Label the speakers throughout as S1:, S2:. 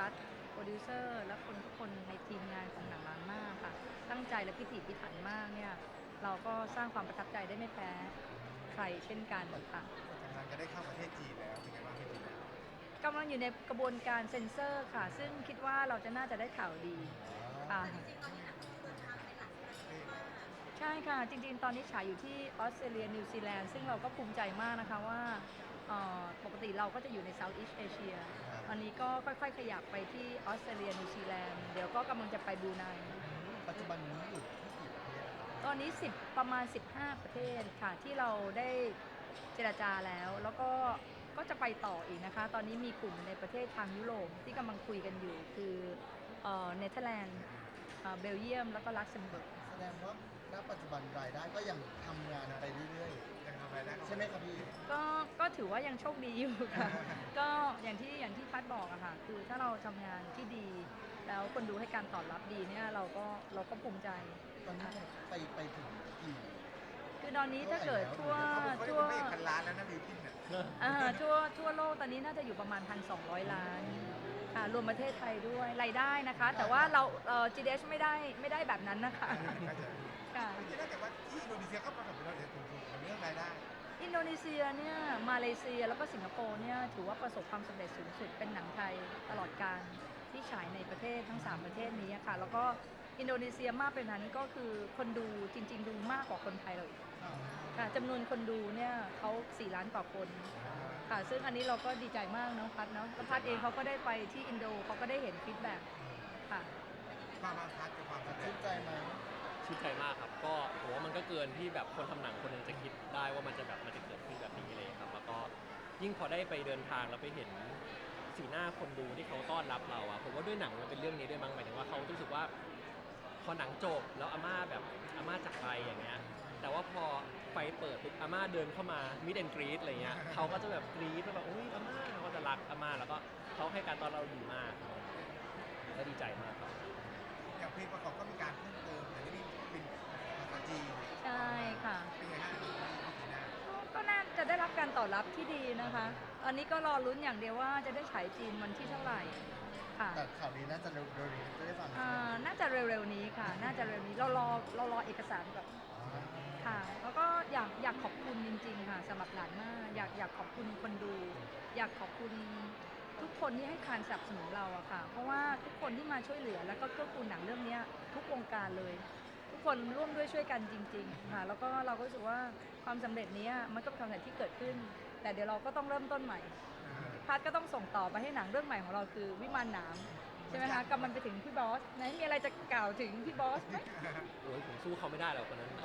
S1: พัฒน์โปรดิวเซอร์และคนทุกคนในทีมงานของหนังล้านมากค่ะตั้งใจและพิถีพิถันมากเนี่ยเราก็สร้างความประทับใจได้ไม่แพ้ใครเช่นกันค่ะ
S2: กำลังจะได้เข้าประเทศจีนแล้วเป็นไงบ้างพี่จีน
S1: กำลังอยู่ในกระบวนการเซ็นเซอร์ค่ะซึ่งคิดว่าเราจะน่าจะได้ข่าวดีค่ะ ใช่ค่ะจริงๆตอนนี้ฉายอยู่ที่ออสเตรเลียนิวซีแลนด์ซึ่งเราก็ภูมิใจมากนะคะว่าปกติเราก็จะอยู่ใน Southeast Asia ตอนนี้ก็ค่อยๆขยับไปที่ออสเตรเลียนิวซีแลนด์เดี๋ยวก็กำลังจะไปบรูไน
S3: ปัจจุบันนี้อยู่ที่กี่ประเทศนะครับ
S1: ตอนนี้ประมาณ15ประเทศค่ะที่เราได้เจรจาแล้วก็จะไปต่ออีกนะคะตอนนี้มีกลุ่มในประเทศทางยุโรปที่กำลังคุยกันอยู่คือเนเธอร์แลนด์เบลเยียมแล้วก็ลักเซมเบิร์ก
S3: แสดงว่าณปัจจุบันรายได้ก็ยังทำงานไปเรื่อย
S2: ยังทำอะไรได้
S3: ๆใช่ไหมครับพี่
S1: ก็ถือว่ายังโชคดีอยู่ค่ะ ก็อย่างที่พัดบอกอะค่ะคือถ้าเราทำงานที่ดีแล้วคนดูให้การตอบรับดีเนี่ยเราก็ภูมิใจ
S3: ตอนนี้ไปถึงกี่
S1: คือตอนนี้ถ้าเกิดทั่ว
S2: เขา
S1: ทั่ว
S2: ไม่พันล้านแล้วนะบิวกินเนี่ย
S1: ทั่วโลกตอนนี้น่าจะอยู่ประมาณ 1,200 ล้านค่ะรวมประเทศไทยด้วยรายได้นะคะ แต่ว่าเราGDS ไม่ได้แบบนั้นนะคะค่ะ
S2: จริงๆแล้วแต่ว่าที่อินโดนีเซียเขาประสบความสำเร็จสูงๆในเรื่องรายได้
S1: อินโดนีเซียเนี่ยมาเลเซียแล้วก็สิงคโปร์เนี่ยถือว่าประสบความสำเร็จสูงสุดเป็นหนังไทยตลอดการที่ฉายในประเทศทั้ง3ประเทศนี้ค่ะแล้วก็อินโดนีเซียมากไปนั้นก็คือคนดูจริงๆดูมากกว่าคนไทยเราอีกค่ะจำนวนคนดูเนี่ยเขา4 ล้านกว่าคนค่ะซึ่งอันนี้เราก็ดีใจมากเนาะพัดเนาะแล้วพัดเองเขาก็ได้ไปที่อินโดเขาก็ได้เห็นฟีดแบ็กค่ะ
S2: ความบางพัดกับความสำเร็
S3: ชื่
S2: จ
S3: นใจไหม
S4: ชื่นใจมากครับก็ผมว่ามันก็เกินที่แบบคนทำหนังคนหนึงจะคิดได้ว่ามันจะเกิดขึ้นแบบนี้เลยครับแล้วก็ยิ่งพอได้ไปเดินทางแล้วไปเห็นสีหน้าคนดูที่เขาต้อนรับเราอะผมว่าด้วยหนังมันเป็นเรื่องนี้ด้วยมั้งหมายถึงว่าเขารู้สึกว่าพอหนังจบแล้วอาม่าจากไปอย่างเงี้ยแต่ว่าพอไฟเปิดปุ๊บอาม่าเดินเข้ามามิดแอนกรีดอะไรเงี้ยเขาก็จะแบบกรี๊ดแบบอุ้ยอาม่าเขาก็จะรักอาม่าแล้วก็เขาให้การต้อนรับเราดีมากก็ดีใจมากครับ
S2: อย่างเพลงประกอบก็มีการเพิ่มเติมแต่นี่เป็นภาษาจีน
S1: ใช่ค่ะ
S2: เป็นไงฮะพี่จีน่า
S1: ก็น่าจะได้รับการตอบรับที่ดีนะคะ อันนี้ก็รอลุ้นอย่างเดียวว่าจะได้ฉายจีนวันที่เท่าไหร่ค่ะ
S3: แต่ข่าวนี้น่าจะเร็วๆนี้จะได้ฟังใช่ไหม
S1: น่าจะเร็วๆนี้ค่ะ น่าจะเร็วนี้เรารอเอกสารแบบค่ะ แล้วก็อยากขอบคุณจริงๆค่ะสำหรับหลานมากอยากขอบคุณคนดู อยากขอบคุณทุกคนที่ให้การสนับสนุนเราอะค่ะ เพราะว่าทุกคนที่มาช่วยเหลือแล้วก็เกื้อกูลหนังเรื่องนี้ทุกวงการเลย ทุกคนร่วมด้วยช่วยกันจริงๆค่ะแล้วก็เราก็รู้สึกว่าความสำเร็จนี้มันก็เป็นความสำเร็จที่เกิดขึ้น แต่เดี๋ยวเราก็ต้องเริ่มต้นใหม่พัดก็ต้องส่งต่อไปให้หนังเรื่องใหม่ของเราคือวิมานหนามใช่ไหมคะกำลังไปถึงพี่บอสไหนมีอะไรจะกล่าวถึงพี่บอสไหม
S4: โอ้ยผมสู้เขาไม่ได้หรอกคนนั้น
S1: โอ้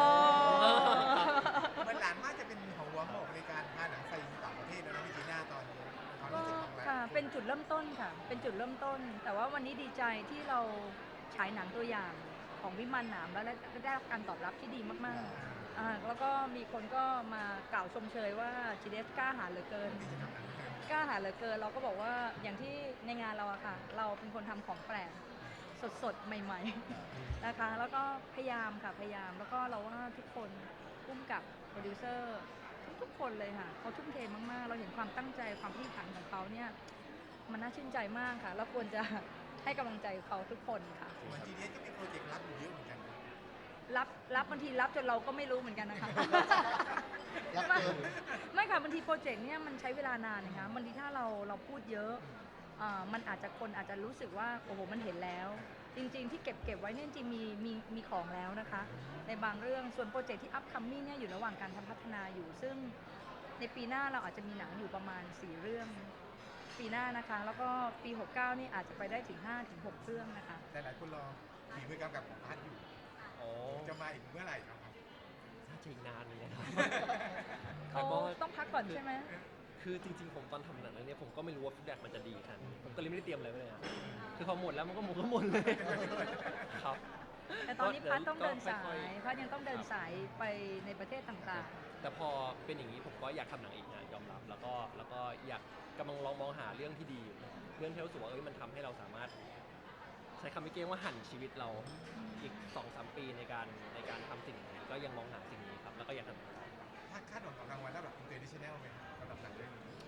S2: เหมือนหลานมากจะเป็นหัวหอกในการพาหนังไปต่างประเทศแล้วนะพี่จีน่าตอนนี้ความ
S1: ก็
S2: รู้สึกของเรา
S1: ค่ะเป็นจุดเริ่มต้นค่ะเป็นจุดเริ่มต้น แต่ว่าวันนี้ดีใจที่เราฉายหนังตัวอย่างของวิมานหนามแล้วได้รับการตอบรับที่ดีมากๆแล้วก็มีคนก็มากล่าวชมเชยว่า GDS กล้าหาญเหลือเกิน กล้าหาญเหลือเกินเราก็บอกว่าอย่างที่ในงานเราอะค่ะเราเป็นคนทำของแปลกสดๆ ใหม่ๆนะคะแล้วก็พยายามค่ะพยายามแล้วก็เราว่าทุกคนพุ่มกับโปรดิวเซอร์ทุกคนเลยค่ะเขาทุ่มเทมากๆเราเห็นความตั้งใจความพิถีพิถันของเขาเนี่ยมันน่าชื่นใจมากค่ะแล้วควรจะให้กำลังใจเขาทุกคนค่ะ
S2: เหมือน GDS ก็มีโปรเจกต์รับอยู่เยอะเหมือนกันนะ
S1: รับบางทีรับจนเราก็ไม่รู้เหมือนกันนะคะ
S3: รับเกิน
S1: ไม่ค่ะบางทีโปรเจกต์เนี่ยมันใช้เวลานานนะคะบางทีถ้าเราพูดเยอะมันคนอาจจะรู้สึกว่าโอ้โหมันเห็นแล้ว จริงๆที่เก็บไว้เนี่ยจริงๆมีของแล้วนะคะ ในบางเรื่องส่วนโปรเจกต์ที่ upcoming เนี่ยอยู่ระหว่างการทำพัฒนาอยู่ ซึ่งในปีหน้าเราอาจจะมีหนังอยู่ประมาณ4เรื่องปีหน้านะคะแล้วก็ปี69นี่อาจจะไปได้ถึง5-6เรื่องนะคะ
S2: หลายๆคนรอฝีมือกำกับของพัดอยู่
S4: อ๋อ
S2: จะมาอีกเมื่อไหร่ครับ
S4: น่าจะอีกนานเลยนะครับ
S1: เขาต้องพักก่อนใช่ไหม
S4: คือจริงๆผมตอนทำหนังเรื่องนี้ผมก็ไม่รู้ว่าฟีดแบ็กมันจะดีขนาดนี้ผมก็เลยไม่ได้เตรียมอะไรไว้เลยอะคือพอหมดแล้วมันก็หมดเลยครับ
S1: แต่ตอนนี้พัดต้องเดินสา
S4: ก็ค่อย
S1: ย
S4: ๆ
S1: พัดยังต้องเดินสายไปในประเทศต่าง
S4: แต่พอเป็นอย่างนี้ผมก็อยากทำหนังอีกนะยอมรับแล้วก็อยากกำลังลองมองหาเรื่องที่ดีอยู่เรื่องที่รู้สึกว่ามันทำให้เราสามารถใช้คำไม่เก้งว่าหั่นชีวิตเราอีก 2-3 ปีในการทำสิ่งนี้ก็ยังมองหาสิ่งนี้ครับแล้วก็อยากทำต่อ
S2: ถ้าคาดหวังกับรางวัลระดับ international ไหมสำหรับหนังเรื่องนี้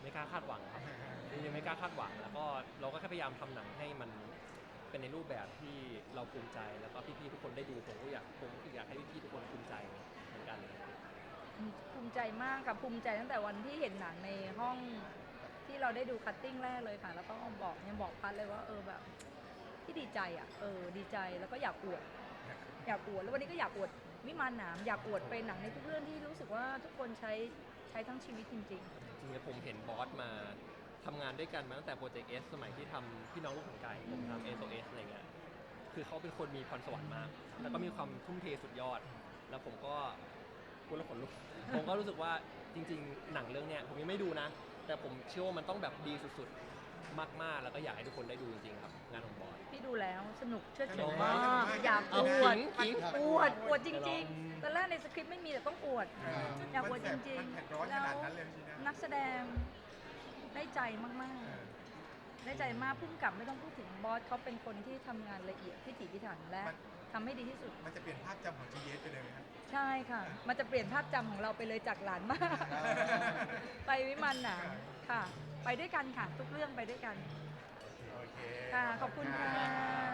S4: ไม่กล้าคาดหวังครับจริงๆไม่กล้าคาดหวังแล้วก็เราก็แค่พยายามทำหนังให้มันเป็นในรูปแบบที่เราภูมิใจแล้วก็พี่ๆทุกคนได้ดูผมก็อยากให้พี่ๆทุกคนภูมิใจเหมือนกัน
S1: ภูมิใจมากค่ะภูมิใจตั้งแต่วันที่เห็นหนังในห้องที่เราได้ดูคัตติ้งแรกเลยค่ะ แล้วก็บอกพัดเลยว่าแบบที่ดีใจดีใจแล้วก็อยากอวดแล้ววันนี้ก็อยากอวดวิมานหนามอยากอวดเป็นหนังในทุกเรื่องที่รู้สึกว่าทุกคนใช้ทั้งชีวิตจริง
S4: จริงๆผมเห็นบอสมาทำงานด้วยกันมาตั้งแต่โปรเจกต์ S สมัยที่ทำพี่น้องลูกของไก่ผมทำ SOS อะไรเงี้ยคือเขาเป็นคนมีพรสวรรค์มากแล้วก็มีความทุ่มเทสุดยอด แล้วผมก็พูดแล้วขนลุก ผมก็รู้สึกว่าจริงๆหนังเรื่องเนี้ยผมยังไม่ดูนะ แต่ผมเชื่อว่ามันต้องแบบดีสุดๆมากๆแล้วก็อยากให้ทุกคนได้ดูจริงๆครับงานของบอส
S1: ๆพี่ดูแล้วสนุกเชื่อ
S2: ส
S1: ถื
S2: นุ
S1: อก
S2: มาม
S1: าก กอยากอวด
S4: ขิง
S1: อวดจริงๆตอนแรกในสคริปต์ไม่มีแต่ต้องอวด อยากอวดจริง
S2: มันเผ็ดร้อน
S1: ๆ
S2: ข
S1: แล้ว
S2: นาดนั้นเลยพี่จีน่า
S1: นักแสดงได้ใจมากๆ ได้ใจมากพุ่งกลับไม่ต้องพูดถึงบอสเขาเป็นคนที่ทำงานละเอียดพิถีพิถันและทำให้ดีที่สุด
S2: มันจะเปลี่ยนภาพจำของ GS ไปเลยไหมครับ
S1: ใช่ค่ะ มันจะเปลี่ยนภาพจำของเราไปเลยจากหลานมาก ไปวิมานหนามค่ะ ไปด้วยกันค่ะ ทุกเรื่องไปด้วยกัน
S2: โอเค
S1: ค่ะ ขอบคุณค่ะ